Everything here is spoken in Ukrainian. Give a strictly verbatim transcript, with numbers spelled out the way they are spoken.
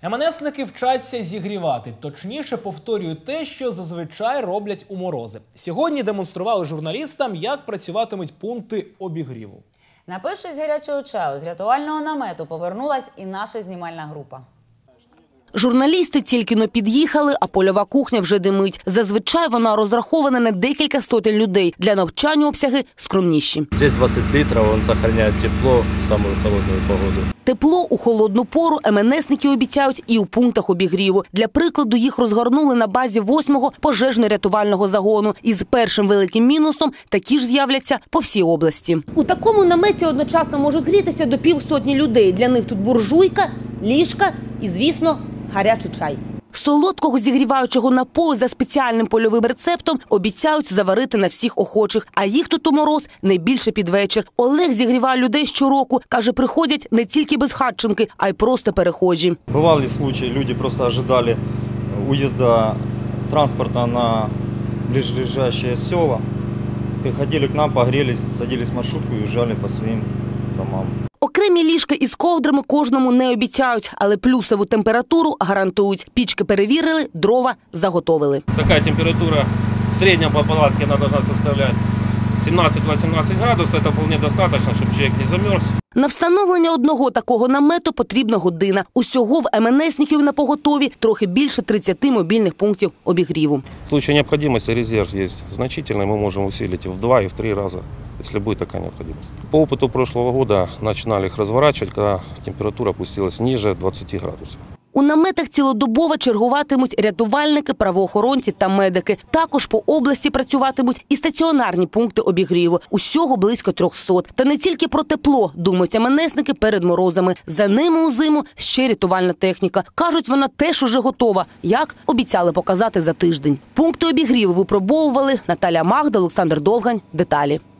ем ен есники вчаться зігрівати, точніше повторюють те, що зазвичай роблять у морози. Сьогодні демонстрували журналістам, як працюватимуть пункти обігріву. Напившись гарячого чаю, з рятувального намету повернулась і наша знімальна група. Журналісти тільки-но під'їхали, а польова кухня вже димить. Зазвичай вона розрахована на декілька сотень людей. Для навчання обсяги скромніші. Здесь двадцять літрів, він зберігає тепло в саму холодну погоду. Тепло у холодну пору ем ен есники обіцяють і у пунктах обігріву. Для прикладу, їх розгорнули на базі восьмого пожежно-рятувального загону. І з першим великим мінусом такі ж з'являться по всій області. У такому наметі одночасно можуть грітися до півсотні людей. Для них тут буржуйка, ліжка і, звісно, гарячий чай. Солодкого зігріваючого напою за спеціальним польовим рецептом обіцяють заварити на всіх охочих. А їх тут у мороз не більше під вечір. Олег зігріває людей щороку. Каже, приходять не тільки безхатченки, а й просто перехожі. Бували случаї, люди просто очікували уїзду транспорту на ближайшие села. Приходили к нам, погрелись, садились в маршрутку і уїжджали по своїм домам. Окремі ліжка із ковдрами кожному не обіцяють, але плюсову температуру гарантують. Пічки перевірили, дрова заготовили. Така температура середня по палатці должна составляти сімнадцять-вісімнадцять градусів. Це вполне достатньо, щоб чоловік не замерз. На встановлення одного такого намету потрібна година. Усього в ем ен есників на поготові трохи більше тридцяти мобільних пунктів обігріву. В случае необходимости резерв є значительний, ми можемо усилити в два і в три рази, якщо буде така необхідність. По опиту прошлого года починали їх розворачувати, коли температура опустилась ниже двадцяти градусів. У наметах цілодобово чергуватимуть рятувальники, правоохоронці та медики. Також по області працюватимуть і стаціонарні пункти обігріву. Усього близько трьохсот. Та не тільки про тепло думають ем ен есники перед морозами. За ними у зиму ще рятувальна техніка. Кажуть, вона теж уже готова, як обіцяли показати за тиждень. Пункти обігріву випробовували Наталя Магда, Олександр Довгань. Деталі.